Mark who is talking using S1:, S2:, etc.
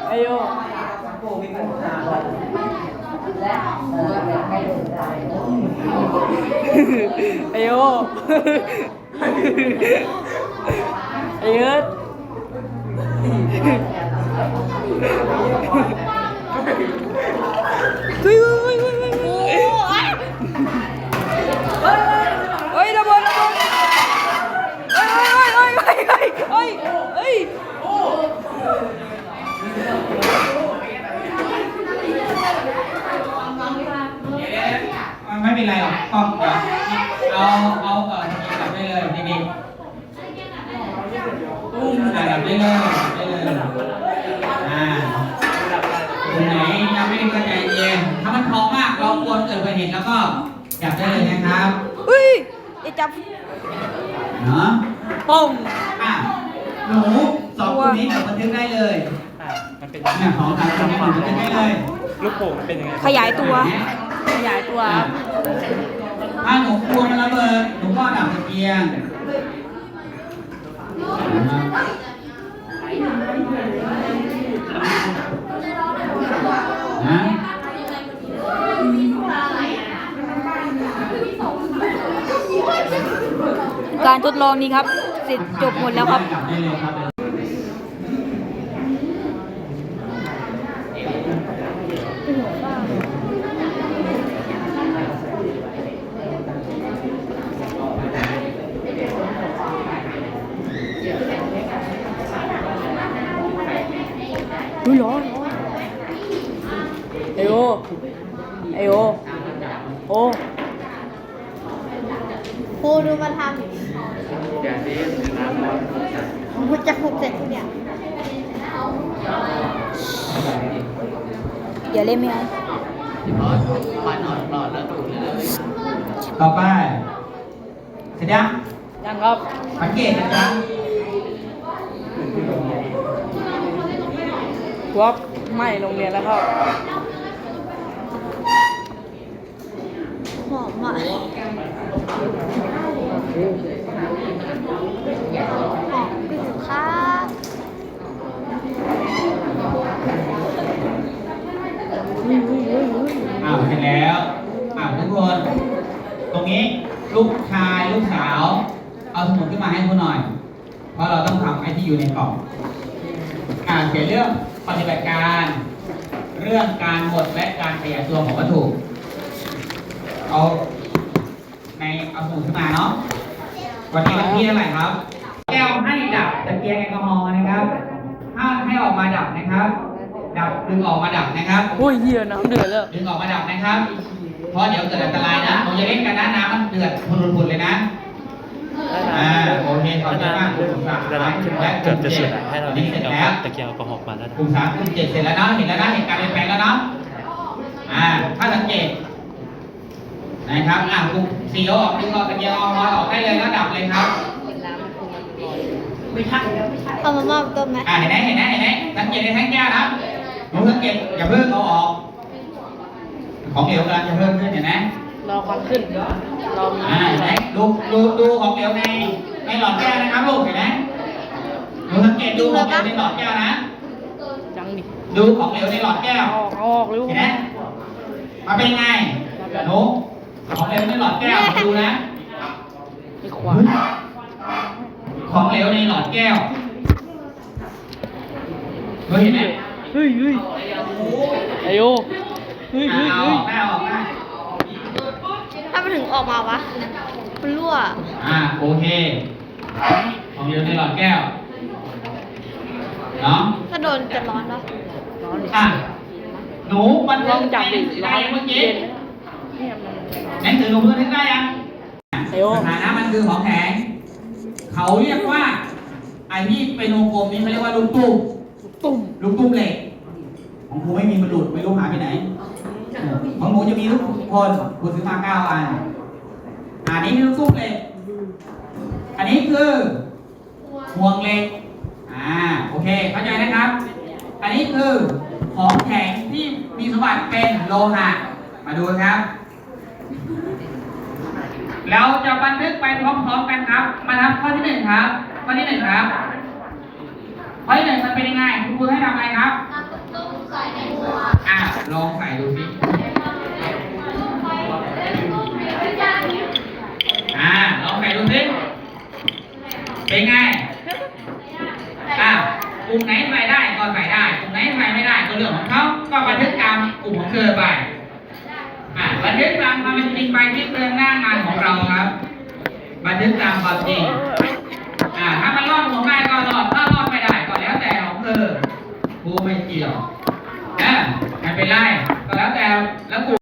S1: ไอโยไอโยไอเอิร์ธเฮ้ยเฮ้ยระเบิดเฮ้ย
S2: ไม่เป็นไรหรอกต้องเอาจับได้เลยเด็กๆจับได้เลยคนไหนยังไม่ได้กระจายเย็นถ้ามันท้องมากเราควรเกิดอุบัติเหตุแล้วก็จับได้เลยนะครับ
S1: เฮ้ยไอจับ
S2: เนาะ
S1: ป้อง
S2: หนูสองคนนี้เดี๋ยวบันทึกได้เลยเนี่ยของทางคนนี้บันทึกได้เลย
S3: ลูกโป่งเป็นยังไง
S1: ขยายตัว
S2: ถ้าหนูกลัวมันระเบิดหนูก็ดับตะเกียงนะ
S1: การทดลองนี้ครับเสร็จจบหมดแล้วครับ
S2: ดับได้เลยครับ
S1: อุ้ยร้อนไอโอโอ
S4: ครูดูมาทำกูจะหกเสร็จทุกอย่าง
S1: อย่าเล่นไม่เอา
S2: ต่อไปเสร็จยัง
S1: ยังครับ
S2: สังเกตนะครับ
S1: วับไม่โรงเรียนแล้วครับ
S4: หอมอ่ะหอมไปถึงครับ
S2: เสร็จแล้วทุกคนตรงนี้ลูกชายลูกสาวเอาสมุดขึ้นมาให้คุณหน่อยเพราะเราต้องทำไอ้ที่อยู่ในกล่องเขียนเรื่องปฏิบัติการเรื่องการหมดและการขยายตัวของวัตถุเอาสมุดขึ้นมาเนาะวันนี้วันที่เท่าไหร่ครับแก้วให้ดับตะเกียงแอลกอฮอล์นะครับถ้าให้ออกมาดับนะครับดับดึงออกมาดับนะครับ
S1: โอ้ยเหี้ยน้ำเดือดแล้ว
S2: ดึงออกมาดับนะครับเพราะเดี๋ยวเกิดอันตรายนะผมจะเล่นกันนะน้ำมันเดือดพุนๆเลยนะโอเคขอบคุณมากกลุ่มสาม
S3: ระดับขึ้นมาเกือบจะสุดแล้วให้เรา
S2: นี่เสร็จแล้ว
S3: ตะเกียงแอลกอฮอล์มาแล้วนะ
S2: กลุ่ม3กลุ่ม7เสร็จแล้วเนาะเห็นแล้วนะเห็นการเปลี่ยนแปลงแล้วเนาะถ้าสังเกตนะครับกลุ่ม4ออกดึงออกตะเกียงออกได้เลยแล้วดับเลยครับไม่ใช่
S4: เอามามอบต้นไหม
S2: เห็นไหมสังเกตในแท่งแก้วนะหนูสังเกตอย่าเพิ่งเอาออกของเหลวกำลังจะเพิ่มขึ้นเห็นไหม
S1: รอควันขึ้นรอมี
S2: เห็นไหมดูของเหลวในหลอดแก้วนะครับลูกเห็นไหมหนูสังเกตดูของเหลวในหลอดแก้วนะ
S1: จังดิ
S2: ดูของเหลวในหลอดแก้ว
S1: ออกเร็ว
S2: เห็นไหมมาเป็นไงหนูของเหลวในหลอดแก้วดูนะ
S1: ไอ้ขวาน
S2: ของเหลวในหลอดแก้วเห็นไหม
S1: เฮ้ยไอโอเฮ้ย
S2: ออกได้
S4: ถ้ามันถึงออกมาวะ มันรั่ว
S2: โอเคของเหลวในหลอดแก้วเนาะ
S4: ถ้าโดนจะร้อนปะ
S2: หนูมัน
S1: ลองจับดิ
S2: ได้
S1: ร้อน
S2: ยังเมื่อกี้
S1: เนี่ยมัน
S2: หนังสือหนูเพิ่งนึกได้ยัง
S1: ไอโอ
S2: สถานะมันคือของแข็งเขาเรียกว่าไอ้ที่เป็นวงกลมนี้เขาเรียกว่าลูกตุ้ม
S1: ตุ่ม
S2: ลูกตุ้มเหล็กของครูไม่มีมันหลุดไม่รู้หายไปไหนของหนูจะมีลูกคนครูซื้อมา9 อันอันนี้คือลูกตุ้มเหล็กอันนี้คือห่วงเหล็กโอเคเข้าใจนะครับ อันนี้คือของแข็งที่มีสมบัติเป็นโลหะมาดูครับเราจะบันทึกไปพร้อมๆกันครับมาทำข้อที่1ครับข้อที่1ครับข้อที่1มันเป็นยังไงคุณครูให้ทำอะไรครับลองใส่ดูสิลองใส่ดูสิเป็นไงกลุ่มไหนใส่ได้ก็ใส่ได้กลุ่มไหนใส่ไม่ได้ก็เรื่องของเขาก็บันทึกตามกลุ่มของเธอไปบันทึกตามความเป็นจริงไปที่เรื่องหน้างานของเราครับบันทึกตามความจริง